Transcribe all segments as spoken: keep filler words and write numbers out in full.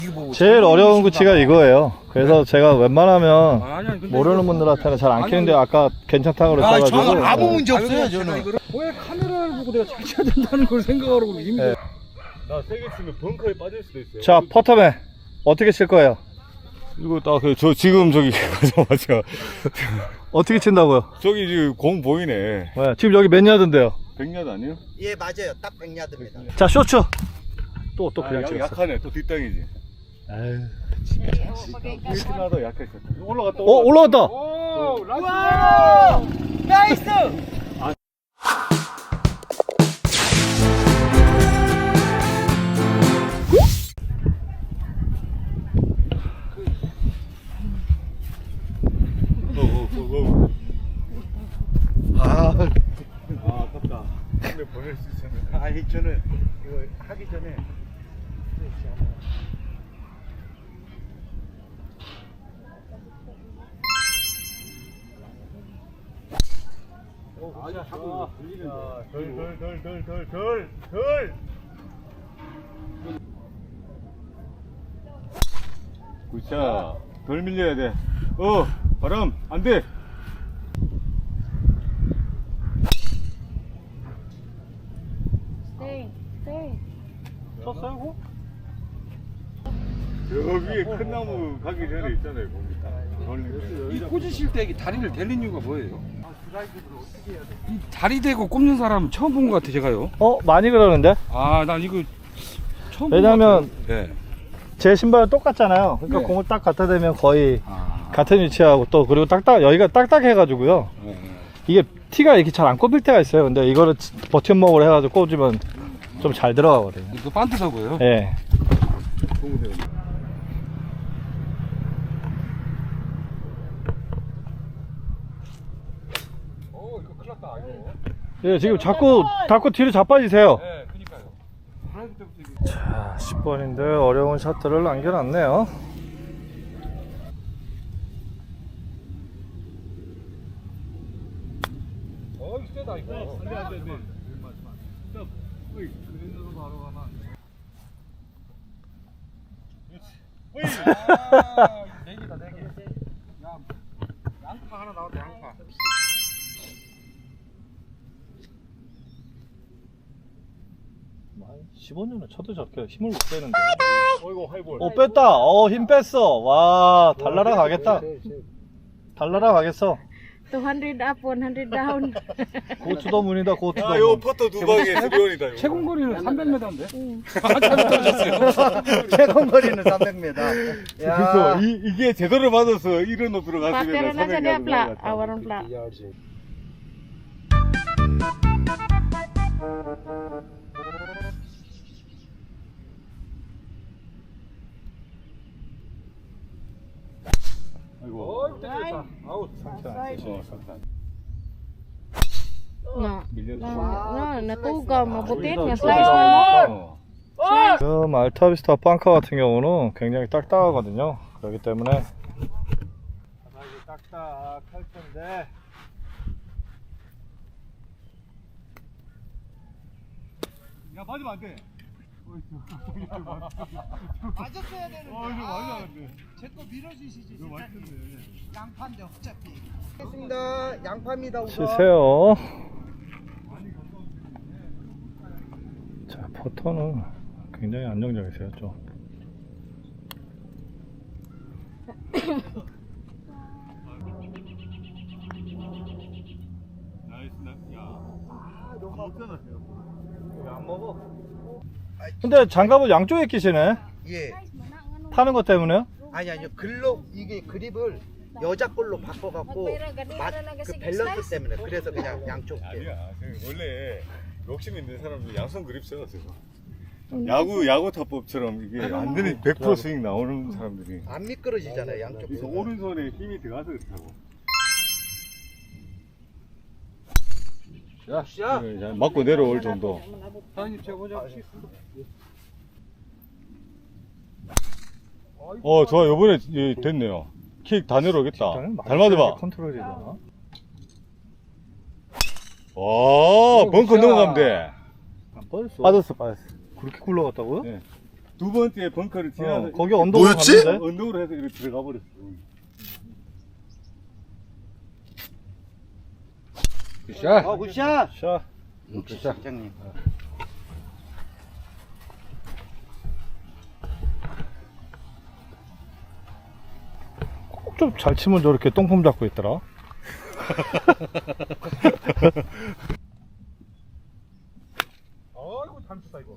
제일 어려운 구치가 이거예요. 그래서 네? 제가 웬만하면 아니, 아니, 근데 모르는 이거- 분들한테는 잘 안 아니, 키는데 아까 괜찮다고 그랬어가지고. 아, 저는 아무 네. 문제 없어요, 아니, 저는. 이거를 왜 카메라를 보고 내가 잘 쳐야 된다는 걸 생각하고 힘들어. 네. 나 세게 치면 벙커에 빠질 수도 있어요. 자, 퍼터맨 어떻게 칠 거예요? 이거 딱저 지금 저기 가자마자 어떻게 친다고요? 저기 지금 공 보이네. 네, 지금 여기 몇 야드인데요? 백 야드 아니에요? 예, 맞아요. 딱 백 야드입니다. 자, 쇼츠. 또 또 아, 그냥 약- 찍었어. 약하네. 또 뒷땅이지. 에휴. 일진하다 약했어. 올라갔다. 어, 올라갔다. 오, 라이스! 나이스! 어, 어, 어, 어. 아, 아, 아깝다. 근데 보낼 수 있었는데. 아니 저는 이거 하기 전에 아니, 하고 들리는데. 덜, 덜, 덜, 덜, 덜, 덜, 덜. 굿샷. 덜 밀려야 돼. 어, 바람, 안 돼. Stay, stay. 쳤어요, 공? 저 위에 큰 나무 가기 전에 있잖아요, 거기 딱. 돌리면. 이 꽂으실 때 다리를 대는 이유가 뭐예요? 이 다리 대고 꼽는 사람 처음 본 것 같아, 제가요. 어, 많이 그러는데? 아, 난 이거 처음 왜냐면 본것 같아요. 네. 제 신발은 똑같잖아요. 그러니까 네. 공을 딱 갖다 대면 거의 아, 같은 위치하고 또 그리고 딱딱 여기가 딱딱해가지고요. 네, 네. 이게 티가 이렇게 잘 안 꼽힐 때가 있어요. 근데 이거를 버팀목으로 해가지고 꽂으면 좀 잘 들어가거든요. 이거 반트 서고요. 예. 어, 이거 큰일 났다, 이거. 예, 지금 자꾸 자꾸 뒤로 자빠지세요. 네, 그니까요. 드라이브 때부터 이게. 자, 십 번인데 어려운 샷들을 남겨놨네요. 어, 이거 세다, 이거. 안 돼, 안 돼, 안 돼. 스톱. 어이, 그랜드로 바로 가나. 그렇지. 어이. 아, 네 개다, 네 개. 야, 양파 하나 나왔다, 양파. 십오 년은 쳐도 저렇게 힘을 못 빼는데. 어이구, 하이볼. 어, 뺐다. 어, 힘 뺐어. 와, 달라라 가겠다. 달라라 가겠어. two hundred up, one hundred down. 고투더문이다, 고투더문. 아, 요 퍼터 두 방에 수비원이다. 이거. 최고 거리는 삼백 미터인데? 응. 아, 잘못 떨어졌어요. 최고 거리는 삼백 미터. 그래서 이, 이게 제대로 맞아서 이런 높이로 Pakaian 갔으면 aja 삼백 dia 야드 plak, 올라갔다. awaran plak. 아이고. 어, 땡겼다. 아우, 어, 상탄. Nggak, 밀려서. nah, nah, tuh gak mau butit, Itu, nge-slice itu. one more. 어. 지금 알타비스타 빵카 같은 경우는 굉장히 딱딱하거든요. 그렇기 때문에 바닥이 딱딱할 텐데 야, 맞으면 안 돼. 맞았어야 되는 어, 이거 맞으면 안 돼. 제거 밀어주시지. 이거 맞췄네. 양파인데 어차피. 알겠습니다. 양파입니다. 우선. 치세요. 자, 퍼터는 굉장히 안정적이세요. 좀. 나이스, 나, 야. 아, 너무 먹잖아. 안 먹어. 근데 장갑을 양쪽에 끼시네. 예. 타는 것 때문에요? 아니 아니요. 글로 이게 그립을 여자 걸로 바꿔갖고 맛, 그 밸런스 때문에 그래서 그냥 양쪽 게. 아니야. 저 원래 욕심 있는 사람은 양손 그립 써요, 저거. 야구, 야구 타법처럼 이게 안 되는 백 퍼센트 스윙 나오는 사람들이. 안 미끄러지잖아요. 양쪽. 그래서 게. 오른손에 힘이 들어가서 그렇다고. 야, 네, 자, 맞고 내려올 정도. 사장님, 제가 먼저 하겠습니다. 어, 좋아. 요번에 예, 됐네요. 킥 다 내려오겠다. 잘 맞아봐. 컨트롤이 되나? 와, 벙커 넘어가면 돼. 안 빠졌어. 빠졌어, 빠졌어. 그렇게 굴러갔다고요? 네. 두 번째 벙커를 지나서 어, 거기 언덕으로 뭐였지? 갔는데? 언덕으로 해서 이렇게 들어가 버렸어. 굿샷. 어 굿샷. 샷. 굿샷. 실장님. 꼭 좀 잘 치면 저렇게 똥폼 잡고 있더라. 아이고 잘쳤다 이거.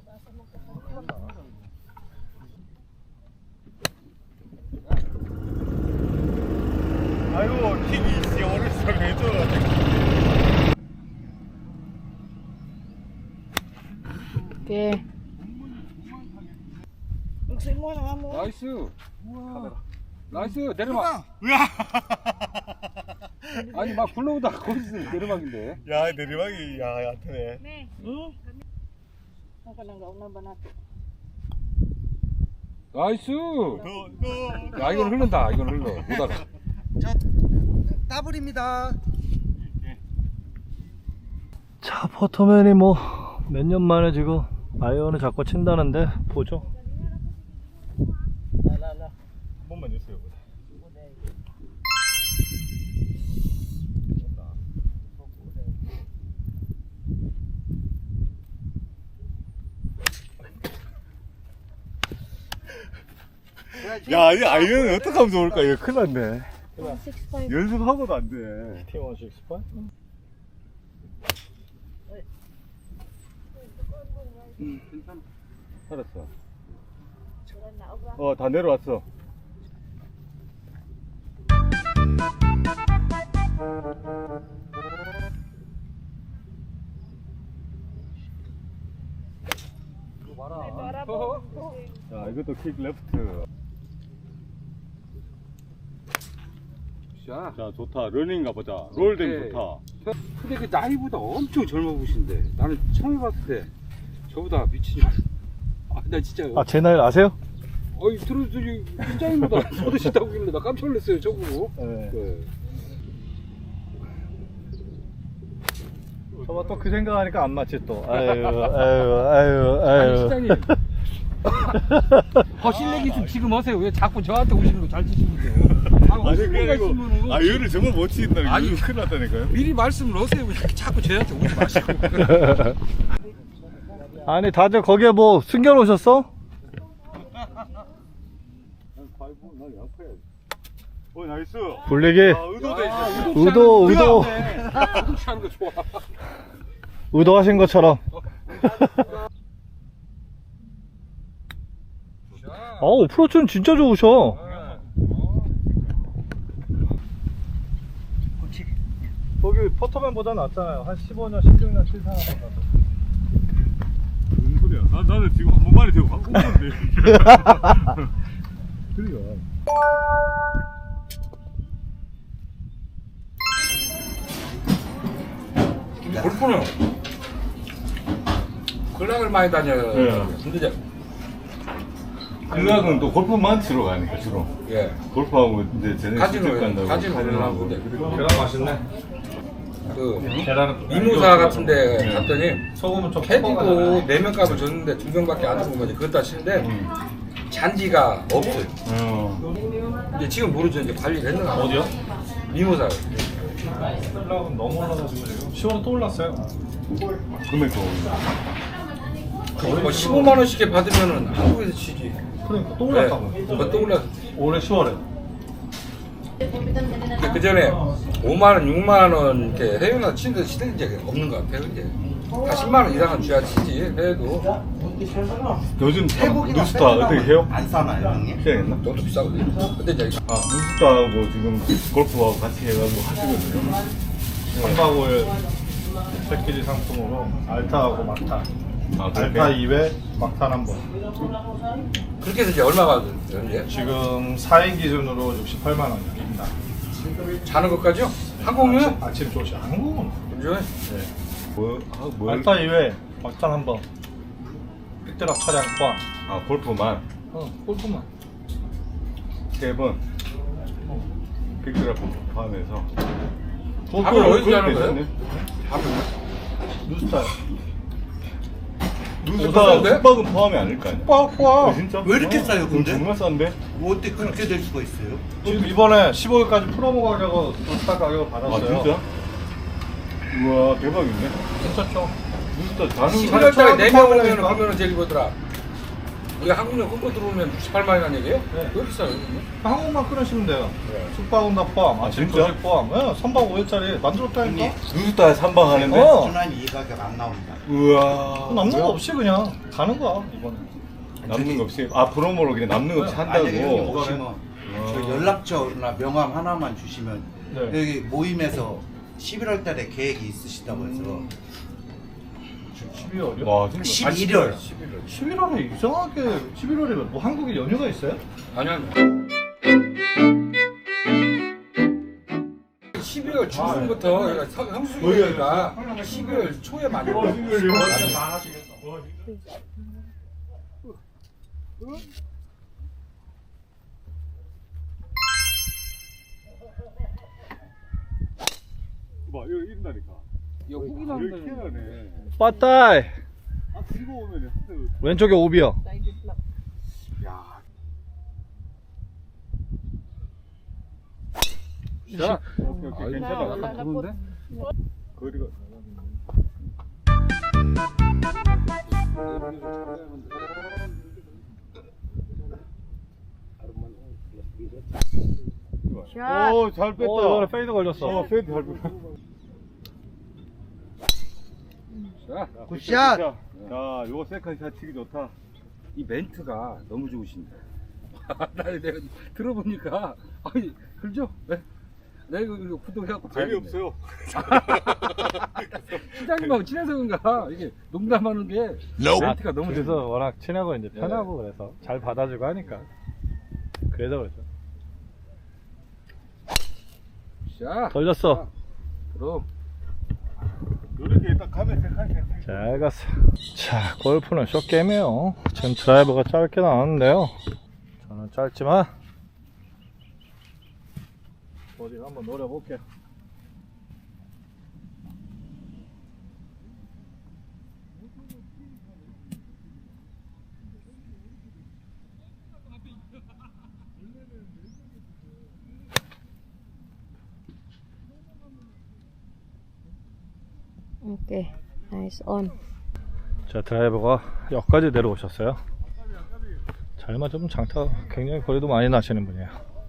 아이고 킥이 진짜 어렸을 때 해줘. Okay. 나이스. 나이스 내리막. 아니 막 굴러오다 거기서 내리막인데. 야 내리막이 야 얕네. 나이스. 너너 야 이건 흐른다. 이건 흘러. 오다가. 저 더블입니다. 자, 퍼터맨이 뭐 몇 년 만에 지금 아이언을 자꾸 친다는데 보죠. 한 번만 주세요. 야, 이 아이언은 어떻게 하면 좋을까? 이거 큰일 났네. six five. 연습하고도 안 돼. 티 백십팔? 알았어. 어, 다 내려왔어. 자, 이것도 킥 레프트. 자. 자, 좋다. 러닝 가보자. 롤댕 오케이. 좋다. 근데 그 나이보다 엄청 젊어 보신데 나는 처음 봤을 때 저보다 미친 줄. 아나 진짜. 아, 제 나이 아세요? 어이 들어주니 팀장님보다 서드시다고길래 나 깜짝 놀랐어요 저거. 네. 네. 저봐 또 그 생각하니까 안 맞지 또. 아유, 아유, 아유, 아니 아유. 팀장님. 거실 얘기 좀 지금 하세요. 왜 자꾸 저한테 오시는 거 잘 치시는데요? 아, 아니, 무슨 그게 얘기가 아니고, 있으면은 아이언을 정말 못 치는다. 아니. 이거 큰일 났다니까요. 미리 말씀을 하세요. 왜 자꾸 저한테 오지 마시고. 아니, 다들 거기에 뭐 숨겨놓으셨어? 어, 나이스. 불리기. 아, 의도돼. 아, 의도, 의도, 하는 거 좋아. 의도하신 것처럼. 어우, 프로츠는 진짜 좋으셔. 거기 퍼터맨보다 낫잖아요. 한 십오 년, 십육 년 칠 사람. 무슨 소리야? 나, 나는 지금 한 번만에 되고 한 번만에 그래요. 골프는 근락을 많이 다녀요. 네. 근데 이제 근락은 또 골프만 치러 가니까 주로. 예. 골프하고 이제 쟤네 가지노 직접 간다고. 가지노 하려고 근데 계란 맛있네. 그 계란은 미무사 같은데 갔더니 소금은 좀 캐디도 네 명 값을 줬는데 두 명밖에 안 주고 거지. 그것도 하시는데 잔디가 없어요. 어. 이제 지금 모르죠. 이제 관리를 했는가. 어디요? 미무사. 올라가면 너무 올라가지고 지금 시월에 또 올랐어요. 금액도. 뭐 십오만 원씩 받으면은 한국에서 치지. 그러니까 또 네. 올랐다고. 그거 또 올랐어. 올해 시월에. 그 전에 오만 원, 육만 원 이렇게 해외나 치는 데 치는 게 없는 것 같아요. 이제 다 십만 원 이상은 줘야 치지. 해외도 요즘 태국이나 누스타 어떻게 해요? 안 싸나요 형님? 시작했나? 너무 비싸거든요. 근데 이제 아, 누스타하고 지금 골프하고 같이 해가지고 하시거든요. 삼박 오일 패키지 상품으로 알타하고 막타. 아, 알타 그렇게? 이 회, 막탄 한 번. 그렇게 해서 이제 얼마가 이제 지금 사 인 기준으로 육십팔만 원입니다. 자는 것까지요? 항공료요? 아침 조식 한국은. 그죠? 뭐, 아, 뭘? 알타 이 회, 막탄 한 번. 빅드랍 차량 포함. 아, 골프만 어, 골프만. 세 번. 빅드랍 포함해서. 밥을 어디서 자는 거예요? 괜찮네. 밥을 누스타. 누수다 싼데? 숙박은 포함이 아닐까요? 빡빡. 아, 진짜? 왜 이렇게 싸요, 그럼 근데? 정말 싼데? 뭐 어떻게 그렇게 될 수가 있어요? 지금 이번에 십오 일까지 프로모 가격으로 도스타 가격을 아 받았어요. 진짜? 우와 대박인데? 괜찮죠? 누수다 다른 십일월 달에 네 명 오면 그러니까. 그러면 제일 이거더라. 이게 한국령 끊고 들어오면 육십팔만이라는 얘기예요? 네. 왜 비싸요? 한국만 끊으시면 돼요. 네. 숙박은 다 포함, 아, 아침 진짜? 조식 포함. 네, 삼 박 오 일짜리 만들었다니까. 누수다 삼방하는데? 어. 준환이 이 가격 안 나옵니다. 우와 남는 거 없이 그냥 가는 거야 이번에. 남는 거 없이 아 프로모로 그냥 남는 거 없이 만약에 형님 한다고? 오시면 저 연락처나 명함 하나만 주시면 네. 여기 모임에서 십일월 달에 계획이 있으시다고 해서 지금 십이월이요? 와 진짜 십일월 십일월에 이상하게 십일월에 뭐 한국에 연휴가 있어요? 아니야. 십일월 중순부터 성수기니까 십일월 초에 많이 와. 봐 이거 이긴다니까 이거 후기 여기 나온다는 희한하네 빠따이. 아 들고 오면 왼쪽에 오비요. 야 자, 오케이 오케이 괜찮아 Wala na po. 거리가 Shot. 오잘 뺐다 어, 이번에 페이드 걸렸어. 어 페이드 잘 뺐다 자, 굿샷! 자 요거 세컨샷 치기 좋다 이 멘트가 너무 좋으신데. 나 내가 들어보니까 아니 그죠? 네? 내가 이거, 이거 구독해갖고 봐야겠네. 재미없어요 시장님하고 친해서 그런가 이게 농담하는 게 멘트가 너무 그래서 좋아. 워낙 친하고 이제 편하고 그래서 잘 받아주고 하니까 그래서 그렇죠. 자, 걸렸어. 그럼 이렇게 딱 가면 세컨샷 잘 갔어. 자, 골프는 숏게임이에요. 지금 드라이버가 짧게 나왔는데요. 저는 짧지만 어디 한번 노려볼게요. Okay. Nice on. 자, 드라이버가 역까지 내려오셨어요. 잘 맞으면 장타 굉장히 거리도 많이 나시는 분이에요.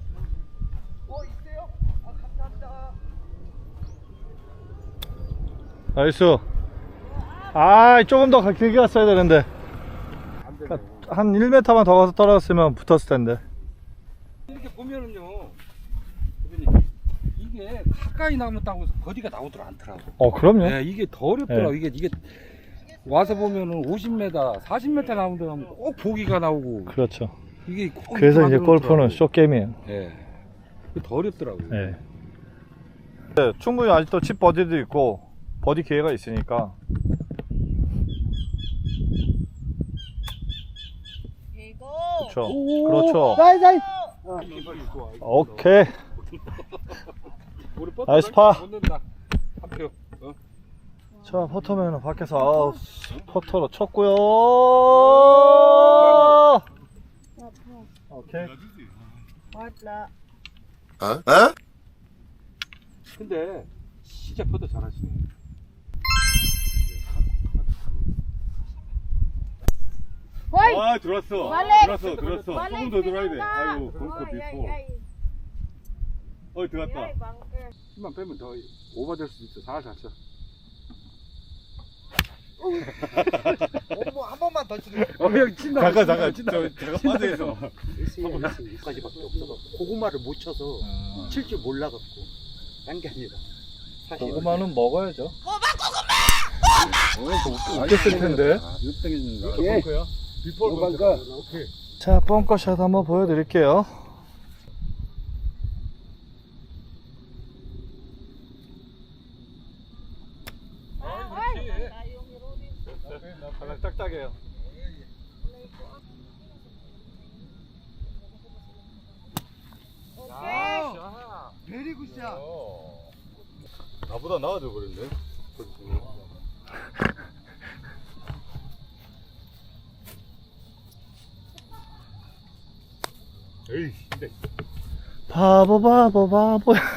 나이스. 아, 조금 더 길게 갔어야 되는데. 그러니까 한 일 미터만 더 가서 떨어졌으면 붙었을 텐데. 이렇게 보면은요, 대표님 이게 가까이 나왔다고 해서 버디가 나오더라 않더라고. 어, 그럼요. 네, 이게 더 어렵더라고. 네. 이게 이게 와서 보면은 오십 미터, 사십 미터 나오는 데 가면 꼭 보기가 나오고 그렇죠. 이게 꼭 그래서 이렇게 이제 골프는 만들어놓더라고. 숏게임이에요. 네, 이게 더 어렵더라고요. 네. 네, 충분히 아직도 칩 버디도 있고 버디 기회가 있으니까. 그렇죠. 그렇죠. 오케이. 우리 버터 나이스 파. 못 넣는다. 한 표. 어? 자, 퍼터면은 밖에서 아우, 퍼터로 쳤고요. 오케이. 근데 진짜 퍼터 잘하시네. Hoy! 아 들어왔어 빨리! 들어왔어 들어왔어 조금 더 들어야 돼 아이고 벙커 비포 어 들어갔다 힘만 빼면 더 오버될 수도 있어. 살살 쳐. 뭐 한 번만 더 치게. 어, 형 친다. 잠깐 잠깐 친다. 저 잠깐 빠져있어 여기까지밖에 없어서 고구마를 못 쳐서 칠 줄 몰라갖고 딴 게 아니라 사실 고구마는 먹어야죠. 어, 웃겼을 텐데. 육등이니까. 예. 비포 오반가. 자, 벙커샷 한번 보여드릴게요. 발랑 딱딱해요. 베리 굿샷. 나보다 나아져 버렸네 에이, 근데. 바보 바보 바보. 아,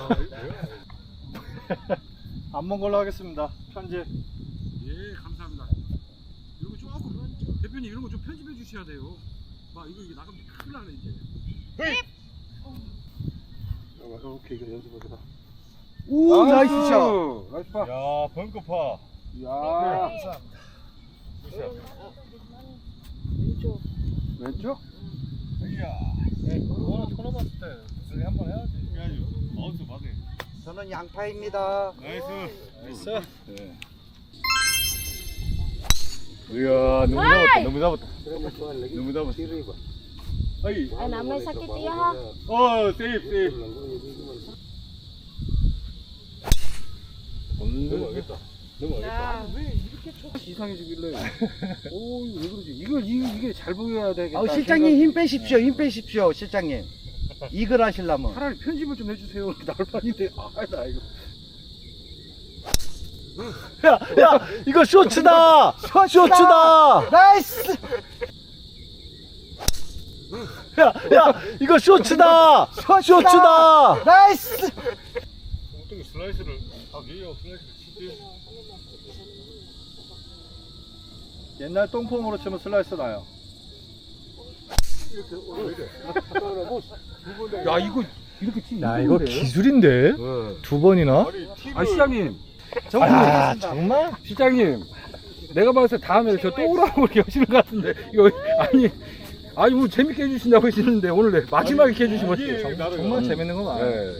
안 먹은 걸로 하겠습니다. 편집. 예, 감사합니다. 이런 거 조금 대표님 이런 거 좀 편집해 주셔야 돼요. 막 이거 이게 나가면 큰일 나네 이제. 오케이 이거 연습해보자. 오 나이스 샷. 나이스 파. 야, 벙커파. 야. 왼쪽. 왼쪽? 이야. 오늘 처음 왔을 때 무슨 일 한번 해야지. 해야죠. 아웃스 받아. 저는 양파입니다. 나이스. 나이스. 네. 이야, 너무 잡았다. 너무 잡았다. 너무 잡았어. 아이. Ay, namay sakit iya ha. 어, 세이프, 세이프. 넘어가겠다. 넘어가겠다. 이상해지길래. 오, 이거 왜 그러지? 이걸 이, 이게 잘 보여야 되겠다. 아 실장님 힘 빼십시오. 힘 빼십시오. 실장님. 이글 하시려면. 차라리 편집을 좀 해주세요. 나올 판인데. 아, 나 이거. 야, 야, 이거 쇼츠다. 쇼츠다. 나이스. 야, 야, 이거 쇼츠다. 쇼츠다. 나이스. 어떻게 슬라이스를 하게요? 슬라이스를 치지. 옛날 똥폼으로 치면 슬라이스 나요. 야, 이거 이렇게 치. 야, 이거 기술인데? 네. 두 번이나? 아니, 티를. 아, 시장님. 아, 정말? 시장님. 내가 봤을 때 다음에 저 또 오라고 이렇게 하시는 것 같은데. 이거, 아니. 아니, 뭐 재밌게 해주신다고 하시는데 오늘 내 마지막에 이렇게 해주시면 이게 어떡해요? 나를 정말 음. 재밌는 거 많아. 네.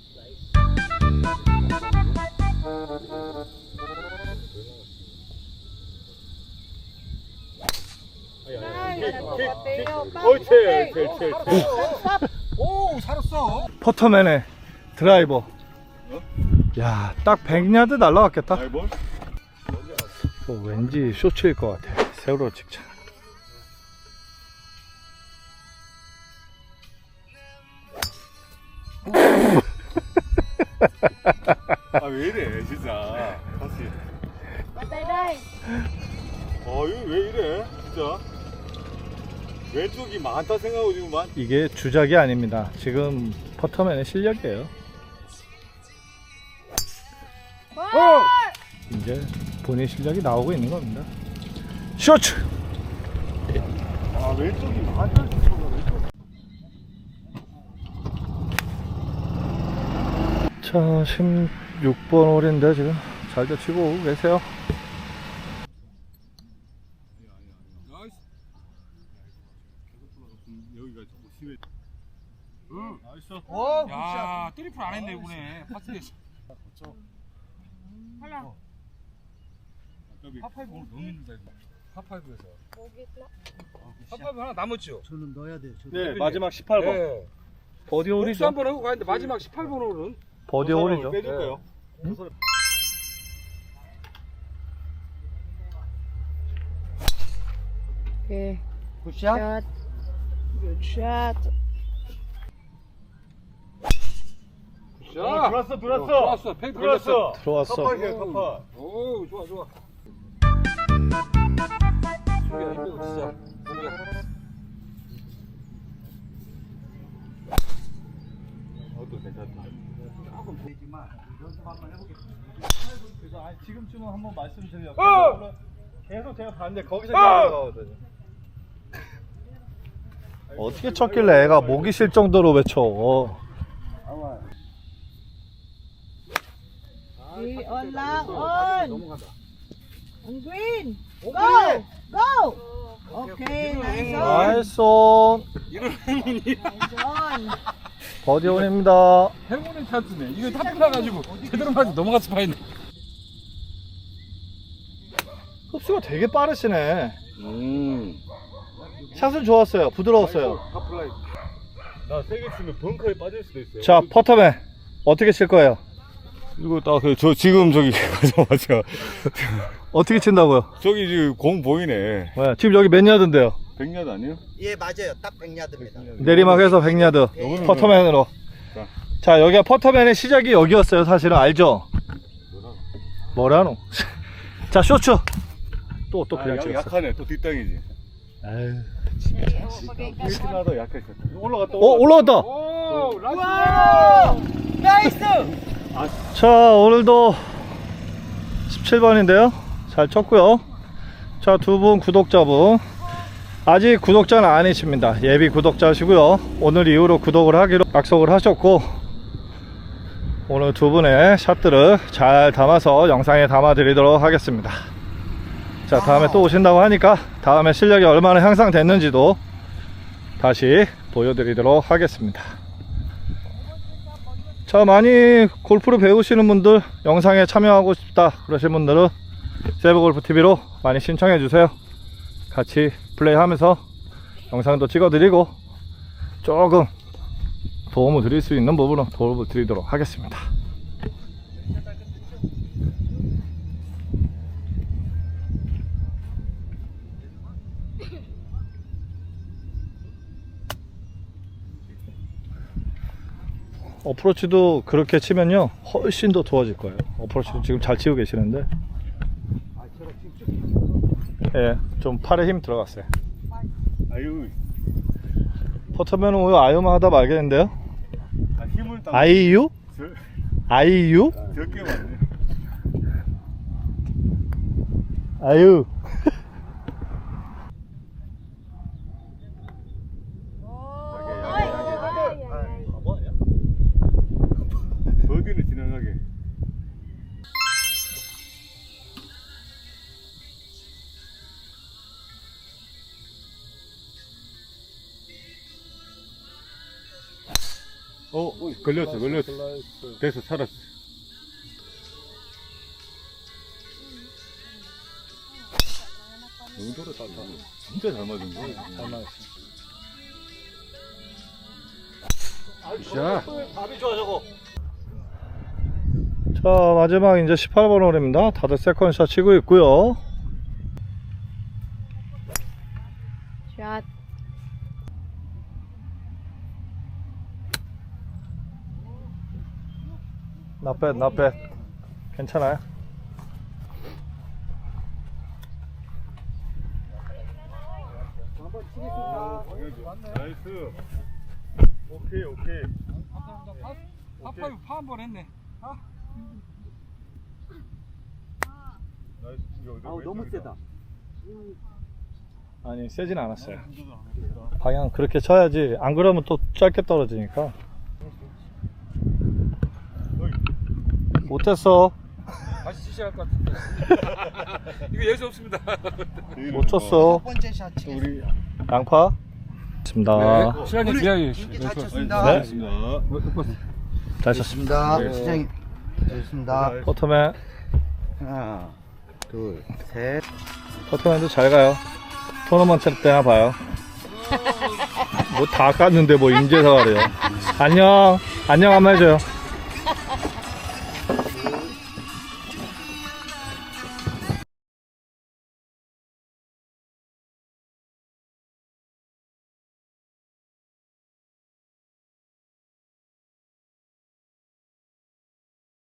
옳지, 옳지, 옳지. 오, 살았어. 퍼터맨의 드라이버. 야, 딱 백 야드 날라갔겠다. 아이, 뭘? 어, 왠지 쇼츠일 것 같아. 세월호 직전. 아, 왜 이래, 진짜. 다시. Patay day. 어, 이거 왜 이래, 진짜. 왼쪽이 많다 생각하고 지금 많. 이게 주작이 아닙니다. 지금 퍼터맨의 실력이에요. Wow! 이제 본인 실력이 나오고 있는 겁니다. 쇼츠! 아, 왼쪽이 많다 생각하고 왼쪽. 자, 십육 번 홀인데 지금 잘도 치고 오고 계세요. 나이스. 여기가 좀 심해. 응. 나이스. 오 야, 트리플 안 했네, 이번에. 파스에서. Hala. 파파이브 오늘 너무 힘들다, 이거. 파파이브에서. Bogit na. 파파이브 하나 남았죠? 저는 넣어야 돼요. 저. 네, 마지막 십팔 번. 네. 버디 복수 홀이죠. 한번 하고 가는데 마지막 십팔 번 홀은 버디 홀이죠. 빼줄까요? Okay. 굿샷. Shot. Good shot. 자, 어, 들어왔어, 들어왔어. 들어왔어. 팽 걸렸어. 들어왔어. 들어왔어. 컵파이야, 컵파. 오, 좋아, 좋아. 준비야, 힘들어, 진짜. 준비야. 어또 괜찮다. 조금 되지만 연습 한번 해보겠습니다. 그래서 아니, 지금쯤은 한번 말씀드려요. 어! 계속 제가 봤는데 거기서 어! 나오거든요. 어떻게 쳤길래 애가 목이 쉴 정도로 외쳐. Di on lang, on. 넘어간다. On green. 오, Go. Go. Okay, nice on. 나이스 온. 이런 행운이 Nice on. 버디 온입니다. 행운의 찬스네. 이거 탑 나가지고 제대로 맞아 넘어갔을 파인데. 흡수가 되게 빠르시네. 음. 샷은 좋았어요. 부드러웠어요. 하플라이. 나 세게 치면 벙커에 빠질 수도 있어요. 자, 퍼터맨 어떻게 칠 거예요? 이거 딱저 지금 저기 가자마자 어떻게 친다고요? 저기 지금 공 보이네. 네, 지금 여기 몇 야드인데요? 백 야드 아니에요? 예 맞아요. 딱 백 야드입니다. 내리막에서 백 야드. 요거는 퍼터맨으로. 자. 자, 여기가 퍼터맨의 시작이 여기였어요. 사실은 알죠? 뭐라노? 자, 쇼츠. 또, 또 아, 그냥 약- 찍었어. 약하네. 또 뒷땅이지. 아유. 일진하다 약했었다. 올라갔다. 어, 올라갔다. 오, 나이스! 나이스! 자, 오늘도 십칠 번인데요. 잘 쳤고요. 자, 두 분 구독자분. 아직 구독자는 아니십니다. 예비 구독자시고요. 오늘 이후로 구독을 하기로 약속을 하셨고, 오늘 두 분의 샷들을 잘 담아서 영상에 담아 드리도록 하겠습니다. 자, 다음에 또 오신다고 하니까 다음에 실력이 얼마나 향상됐는지도 다시 보여드리도록 하겠습니다. 자, 많이 골프를 배우시는 분들, 영상에 참여하고 싶다 그러신 분들은 세브골프티비로 많이 신청해 주세요. 같이 플레이하면서 영상도 찍어드리고 조금 도움을 드릴 수 있는 부분은 도움을 드리도록 하겠습니다. 어프로치도 그렇게 치면요 훨씬 더 좋아질 거예요. 어프로치도 지금 잘 치고 계시는데, 예, 좀 팔에 힘 들어갔어요. 아유, 퍼터면 오늘 아유만 하다 말겠는데요. 아, 힘을 딱. 아이유? 저- 아이유? 적게 맞네. 아유. 바보 아니야? 버디는 지나가게. 어, 걸렸어, 걸렸어. 됐어, 살았어. 영도를 딱 맞아. 진짜 잘 맞은 거야. 잘 맞았어. 자, 답이 좋아 저거. 자, 마지막 이제 십팔 번 홀입니다. 다들 세컨샷 치고 있고요. Shot. Not bad, not bad. 괜찮아요. 나이스. 오케이, 오케이. 파파이 파한번 했네. 나이스. 아우, 너무 세다. 아니, 세진 않았어요. 방향 그렇게 쳐야지. 안 그러면 또 짧게 떨어지니까. 못했어. 다시 치셔야 할 것 같은데. 이거 예수 없습니다. 못 쳤어. 첫 번째 샷 치겠습니다. 우리 양파. 좋습니다. 네, 시간이 기다려. 인기 잘 쳤습니다. 네. 알겠습니다. 잘 쳤습니다. 좋습니다. 네. 시장님. 좋습니다. 퍼터맨. 하나, 둘, 셋. 퍼터맨도 잘 가요. 토너먼트 때나 봐요. 뭐 다 깠는데 뭐 인제서 가래요. 안녕. 안녕 한번 해줘요.